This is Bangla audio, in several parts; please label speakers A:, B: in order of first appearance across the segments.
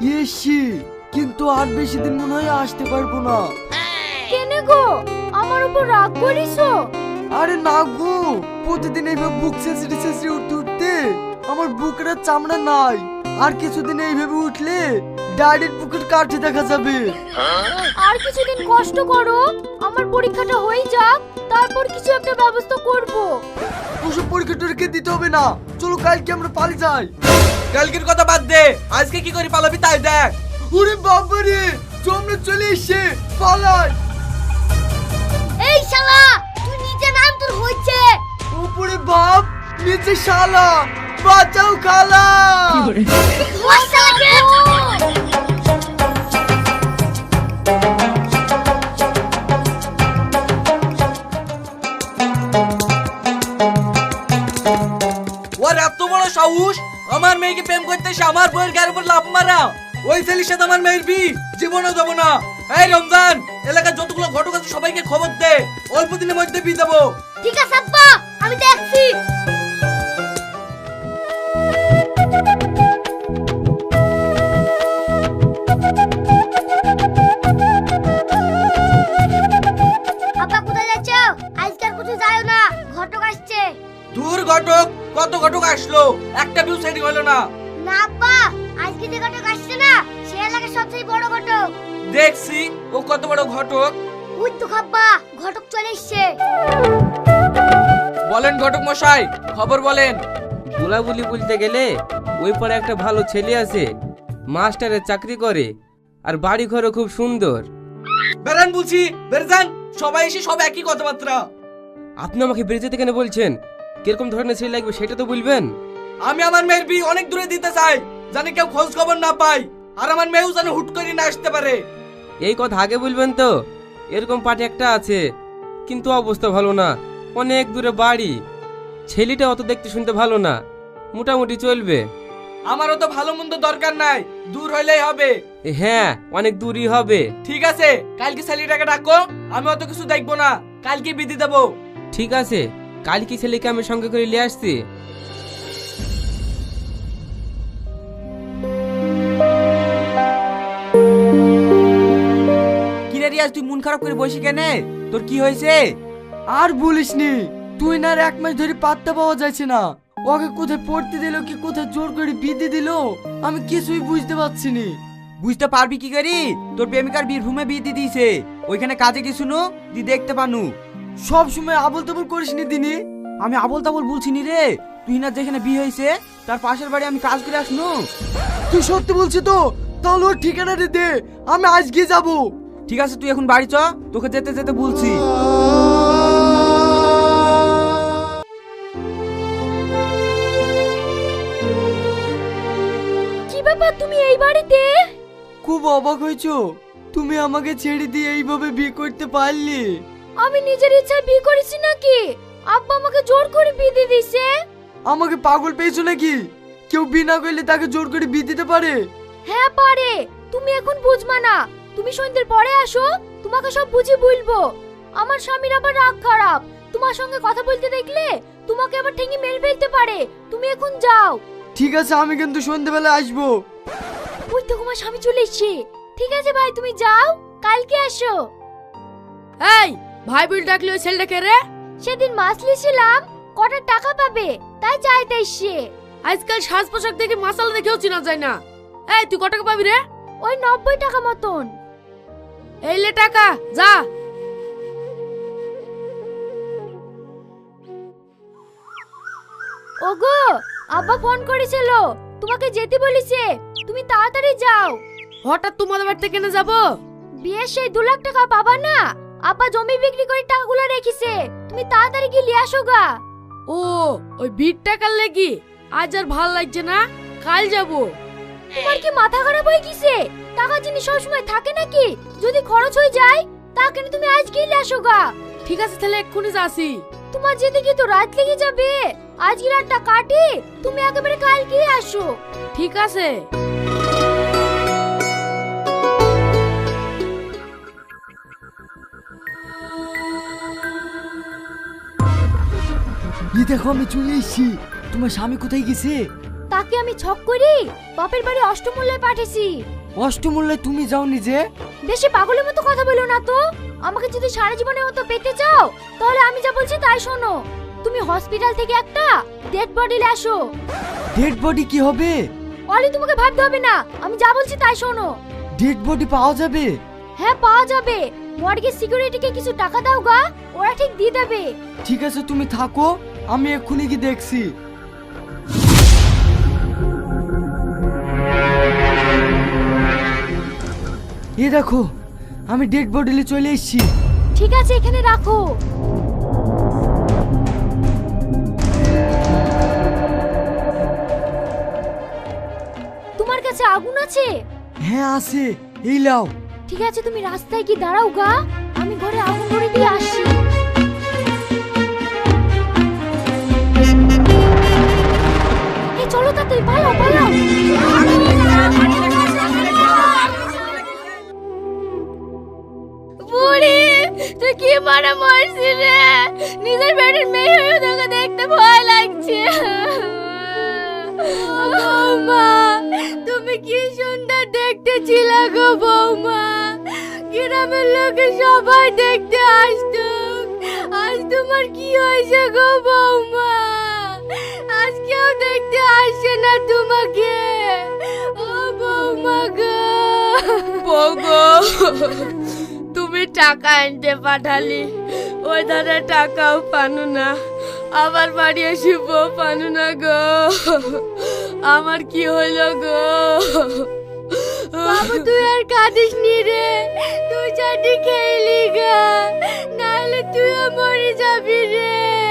A: এসি, কিন্তু আর বেশি দিন মনে হয় আসতে পারবো না।
B: কেনে গো, আমার উপর রাগ করিছো?
A: আরে না গো, প্রতিদিন এইভাবে বুক ছেঁচড়ে ছেঁচড়ে উঠতে উঠতে আমার বুকের আর চামড়া নাই। আর কিছুদিন এইভাবে উঠলে ডাইরেক্ট বুকের কাঠে দেখা যাবে।
B: আর কিছুদিন কষ্ট করো, আমার পরীক্ষাটা হয়ে যাক, তারপর কিছু একটা ব্যবস্থা করব।
A: ওসব পরীক্ষা টরীক্ষা দিতে হবে না, চলো কালকে আমরা পালিয়ে যাই।
C: কালকের কথা বাদ দে, আজকে কি করে পালাবি তাই দেখ।
A: ওরে বাবারে, আমরা চলে এসে পালাই।
B: এই শালা, তুই নিচে নাম, তোর হইছে।
A: উপরে বাপ, নিচে শালা, বাঁচাও খালা।
B: ওই শালাকে
C: ওর এত বড় সাহস, আমার মেয়েকে প্রেম করতে এসে আমার বউয়ের গায়ের উপর লাফ মারা। ওই ছেলের সাথে আমার মেয়ের বিয়ে জীবনেও দেবো না। এই রমজান, এলাকার যতগুলো ঘটক আছে সবাইকে খবর দে, অল্প দিনের মধ্যে বিয়ে দেবো।
B: ঠিক আছে আব্বা, আমি দেখছি। আব্বা কোথায় যাচ্ছ? আজকাল কোথাও যাও না, ঘটক আসছে।
C: দূর ঘটক, কত ঘটক আসলো, একটা বিউ সেটিং হলো না।
B: না আব্বা, আজকে যে ঘটক আসছে না, সে এলাকার সবচেয়ে বড় ঘটক।
C: দেখছি ও কত বড় ঘটক।
B: ওই তো খাব্বা, ঘটক চলে এসছে।
C: বলেন ঘটক মশাই, খবর বলেন।
D: বুলাবুলি বলতে গেলে ওই পারে একটা ভালো ছেলে আছে, মাস্টারের চাকরি করে, আর বাড়ি ঘরও খুব সুন্দর।
C: বেরান বলছি, বেরজান, সবাই এসে সব একই কথাবার্তা।
D: আপনি আমাকে বেরিয়ে যেতে কেন বলছেন? কিরকম ধরনের ছেলে লাগবে সেটা তো বলবেন।
C: আমি আমার মেয়ের বিয়ে অনেক দূরে দিতে চাই, জানি কেউ খোঁজ খবর না পাই, আর আমার মেয়েও যেন হুট করে না আসতে পারে।
D: এই কথা আগে বলবেন তো। এরকম পার্টি একটা আছে, কিন্তু অবস্থা ভালো না, অনেক দূরে বাড়ি। ছেলেটা অত দেখতে শুনতে ভালো না, মোটামুটি চলবে।
C: আমারও তো ভালো মন্দ দরকার নাই, দূর হইলেই হবে।
D: হ্যাঁ, অনেক দূরই হবে।
C: ঠিক আছে, কালকে ছেলেটাকে ডাকো, আমি অত কিছু দেখবো না, কালকে বিধি দেবো।
D: ঠিক আছে, কালকে ছেলেকে আমি সঙ্গে করে নিয়ে আসছি।
C: কিরে রিয়াজ, তুই মন খারাপ করে বসি কেনে? তোর কি হয়েছে?
A: আর বলিসনি, তুই না আর এক মাস ধরে পাত্তা পাওয়া যাচ্ছে না। ওকে কোথায় পড়তে দিল কি কোথায় জোর করে বিধি দিল, আমি কিছুই বুঝতে পারছি নি।
E: বুঝতে পারবি কি করি? তোর প্রেমিকার বীরভূমে বিয়ে দিয়ে দিয়েছে, ওইখানে কাজে গেছুনু দি দেখতে পানু।
A: সব সময় আবল তাবল করিসনি দিনি।
E: আমি আবল তাবল বলছি নি রে, তুই না যেখানে বিয়ে হয়েছে তার পাশের বাড়ি আমি কাজ করে আসনু।
A: তুই সত্যি বলছিস তো? তাহলে ওর ঠিকানাটা দে, আমি আজকে যাব।
E: ঠিক আছে, তুই এখন বাড়ি চ, তোকে যেতে যেতে বলছি।
B: কি ব্যাপার, তুমি এই বাড়িতে?
A: খুব অবাক হয়েছো, তুমি আমাকে ছেড়ে দিয়ে এইভাবে বিয়ে করতে পারলি?
B: আমি নিজের ইচ্ছায় বিয়ে করেছি নাকি? আব্বা আমাকে জোর করে বিয়ে দিয়ে দিয়েছে।
A: আমাকে পাগল পেয়েছো নাকি? কেউ বিনা করলে তাকে জোর করে বিয়ে দিতে পারে?
B: হ্যাঁ পারে, তুমি এখন বুঝবা না। তুমি সন্ধ্যের পরে আসো, তোমাকে সব বুঝিয়ে বলবো। আমার স্বামীর আবার রাগ খারাপ, তোমার সঙ্গে কথা বলতে দেখলে তোমাকে আবার ঠেঙে মেরে ফেলতে পারে। তুমি এখন যাও।
A: ঠিক আছে, আমি কিন্তু সন্ধ্যেবেলা আসবো।
B: ওই তো তোমার স্বামী চলে এসছে। ঠিক আছে ভাই, তুমি যাও, কালকে আসো।
F: এই ভাই বিল ডাকলে ওই ছেলেটাকে রে?
B: সেদিন মাছ লিয়েছিলাম, কটা টাকা পাবে তাই চাইতে এসছে।
F: আজকাল সাজ পোশাক দেখে মাসালা দেখেও চেনা যায় না। এই তুই কত টাকা পাবি রে?
B: ওই 90 টাকা মতন।
F: এই লে টাকা, যা।
B: ওগো, আব্বা ফোন করেছিল, তোমাকে যেতে বলেছে, তুমি তাড়াতাড়ি যাও।
F: হঠাৎ তোমাদের বাড়িতে কেন যাব?
B: বিয়ের সেই 2 লাখ টাকা পাবা না, আব্বা জমি বিক্রি করে টাকাগুলো রেখেছে, তুমি তাড়াতাড়ি গিয়ে নিয়ে আসো গা।
F: ও, ওই বিট টাকার লাগি? আজ আর ভাল লাগছে না, কাল যাব।
B: তোমার কি মাথা খারাপ হয়ে গেছে? টাকা জিনিস সবসময় থাকে নাকি? যদি খরচ হয়ে যায় তা কেন তুমি আজ গিয়ে নিয়ে আসো গা।
F: ঠিক আছে, তাহলে এক্ষুনি যাচ্ছি।
B: তোমার যেতে গিয়ে তো রাত লেগে যাবে, আজকে রাতটা কাটি, তুমি একেবারে কাল গিয়ে আসো।
F: ঠিক আছে।
A: দেখো আমি চলে এসেছি। তোমার স্বামী কোথায় গেছে?
B: তাকে আমি ছক করি বাপের বাড়ি অষ্টমূল্যে পাঠিয়েছি।
A: অষ্টমূল্যে তুমি যাও নিজে।
B: বেশি পাগলের মতো কথা বলো না তো। আমাকে যদি সারা জীবনের মতো পেতে চাও তাহলে আমি যা বলছি তাই শোনো। তুমি হসপিটাল থেকে একটা ডেড বডি নিয়ে আসো।
A: ডেড বডি কি হবে?
B: অলি তোমাকে ভাবতে হবে না, আমি যা বলছি তাই শোনো।
A: ডেড বডি পাওয়া যাবে?
B: হ্যাঁ পাওয়া যাবে। মর্গের সিকিউরিটিকে কিছু টাকা দাও গা, ওরা ঠিক দিয়ে দেবে।
A: ঠিক আছে তুমি থাকো, আমি এক্ষুনি কি দেখছি। এ দেখো, আমি ডেড বডি নিয়ে চলে এসেছি।
B: ঠিক আছে এখানে রাখো। তোমার কাছে আগুন আছে?
A: হ্যাঁ আছে, এই লাও।
B: ঠিক আছে তুমি রাস্তায় কি দাঁড়াও গা, আমি ঘরে আগুন ধরে দিয়ে আসছি। এই চলো তাড়াতাড়ি পালাও পালাও। বুড়ি তুই কি মারা মরছি রে? নিজের বেডের মেয়ে হয়ে তোকে দেখতে ভয় লাগছে। বৌমা তুমি কি সুন্দর দেখতে ছিলে গো বৌমা। গ্রামের লোকে সবাই দেখতে আসতো, আজ তোমার কি হয়েছে গো বৌমা? আজ কেউ দেখতে আসে না তোমাকে। ও বৌমা গো।
F: বৌগো তুমি টাকা আনতে পাঠালি, ওই ধারে টাকাও পানু না, আবার বাড়ি এসে বউ পানু না গো। আমার কি হইল গো?
B: বাবু তুই আর কাঁদিস নি রে, তুই চাটি খেলি গা, নাহলে তুইও মরে যাবি রে।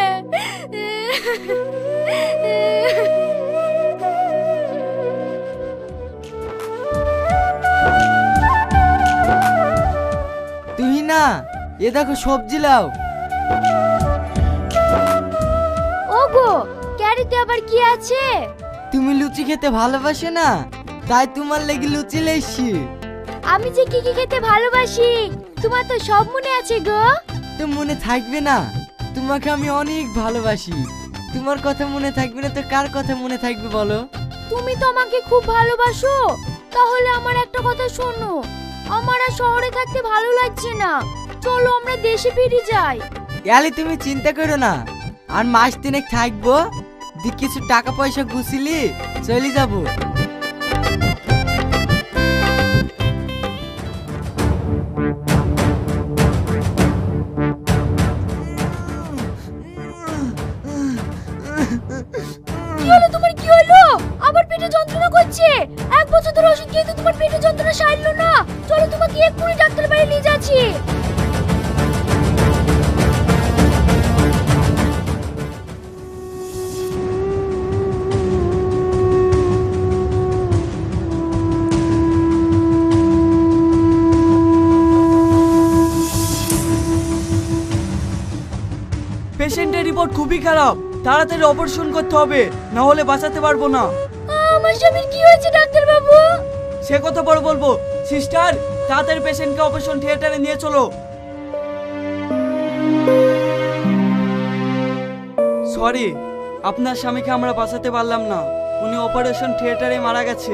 A: তুই না, এ দেখো সবজি লাও।
B: ওগো ক্যারিতে আবার কি আছে?
A: তুমি লুচি খেতে ভালোবাসে না, তাই তোমার লেগে লুচি লেছি।
B: আমি যে কি কি খেতে ভালোবাসি তোমার তো সব মনে আছে গো।
A: তো মনে থাকবে না? তোমাকে আমি অনেক ভালোবাসি, তোমার কথা মনে থাকবে না তো কার কথা মনে থাকবে বলো?
B: তুমি তো আমাকে খুব ভালোবাসো, তাহলে আমার একটা কথা শোনো। আমার আর শহরে থাকতে ভালো লাগছে না, চলো আমরা দেশে ফিরে যাই।
A: ইয়ালি তুমি চিন্তা করো না, আর মাস তিনেক থাকবো, দি কিছু টাকা পয়সা গুছিলি চলে যাবো।
B: কি হলো তোমার, কি হলো? আবার পেটে যন্ত্রণা করছে? এক বছর ধরে ওষুধ খেয়ে তো তোমার পেটে যন্ত্রণা সারলো না। চলো তোমাকে এক্ষুনি ডাক্তার বাড়ি নিয়ে যাচ্ছি।
E: পেশেন্টের রিপোর্ট খুবই খারাপ, তাড়াতাড়ি অপারেশন করতে হবে, না হলে বাঁচাতে পারবো না।
B: আমার স্বামীর কি হয়েছে ডাক্তার বাবু?
E: সে কথা পরে বলবো। সিস্টার তাড়াতাড়ি পেশেন্টকে অপারেশন থিয়েটারে নিয়ে চলো। সরি, আপনার স্বামীকে আমরা বাঁচাতে পারলাম না, উনি অপারেশন থিয়েটারে মারা গেছে।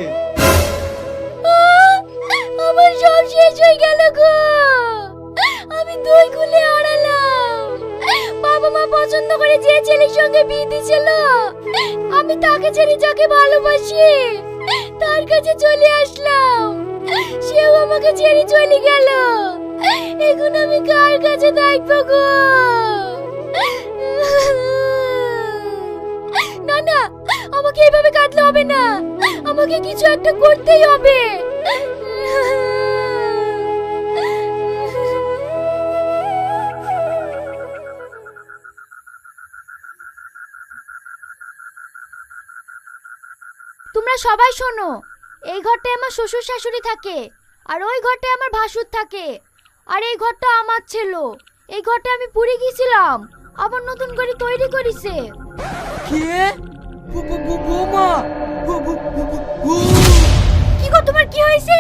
B: আমার সব শেষ হয়ে গেল গো। আমি দুই খুলে হারালাম। বাবা মা পছন্দ করে যে ছেলের সঙ্গে বিয়ে দিয়েছিল, আমি তাকে ছেড়ে যাকে ভালোবাসি তার কাছে চলে আসলাম, সেও আমাকে ছেড়ে চলে গেল। এখন আমি কার কাছে থাকবো গো? না না, আমাকে এইভাবে কাঁদলে হবে না, আমাকে কিছু একটা করতেই হবে। তোমরা সবাই শোনো, এই ঘরটায় আমার শ্বশুর শাশুড়ি থাকে, আর ওই ঘরটায় আমার ভাসুর থাকে, আর এই ঘরটা আমার ছিল। এই ঘরটা আমি পুড়ে গিয়েছিলাম, আবার নতুন করে তৈরি করেছে।
A: কে? বৌমা,
B: কি গো তোমার কি হয়েছে?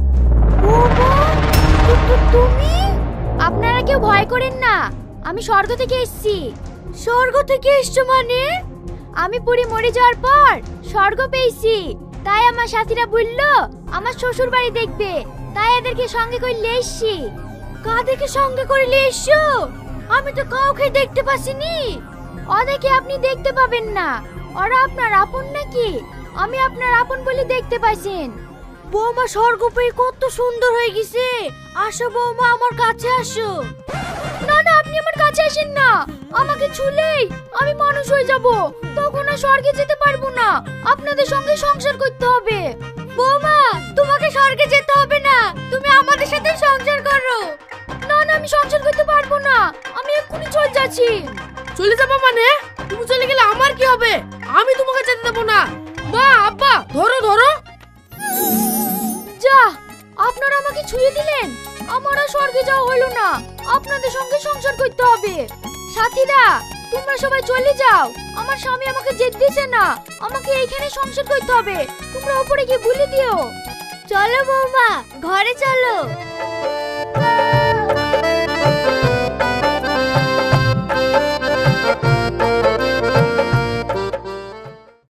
B: তুমি? আপনারা কেউ ভয় করেন না, আমি স্বর্গ থেকে এসেছি। স্বর্গ থেকে এসছো মানে? আমি পুরি মরে যাওয়ার পর স্বর্গ পেয়েছি, তাই আমার সাথীরা বললো আমার শ্বশুর বাড়ি দেখবে, তাই এদেরকে সঙ্গে করে নিয়ে এসছি। কাদেরকে সঙ্গে করে নিয়ে এসছো? আমি তো কাউকে দেখতে পাচ্ছিনি। ওদেরকে আপনি দেখতে পাবেন না, ওরা আপনার আপন নাকি? আমি আপনার আপন বলে দেখতে পাইছেন। বৌমা স্বর্গপুরী কত সুন্দর হয়ে গেছে। আসো বৌমা, আমার কাছে আসো। না না, আপনি আমার কাছে আসেন না। আমাকে ছুলেই আমি মানুষ হয়ে যাব, তখন আর স্বর্গে যেতে পারবো না। আপনাদের সঙ্গে সংসার করতে হবে। বৌমা, তোমাকে স্বর্গে যেতে হবে না, তুমি আমাদের সাথে সংসার করো। না না, আমি সংসার করতে পারবো না, আমি এক্ষুনি চলে যাচ্ছি।
F: চলে যাবো মানে? তুমি চলে গেলে আমার কি হবে? আমি তোমাকে যেতে দেবো না। মা, আব্বা, ধরো ধরো।
B: যা, আপনারা আমাকে ছুঁয়ে দিলেন, আমার আর স্বর্গে যাওয়া হলো না। আপনাদের সঙ্গে সংসার করতে হবে। সাথীরা, তোমরা সবাই চলে যাও, আমার স্বামী আমাকে যেতে দিছে না, আমাকে এইখানে সংসার করতে হবে। তোমরা উপরে গিয়ে বলে দিও। চলো বৌমা, ঘরে চলো।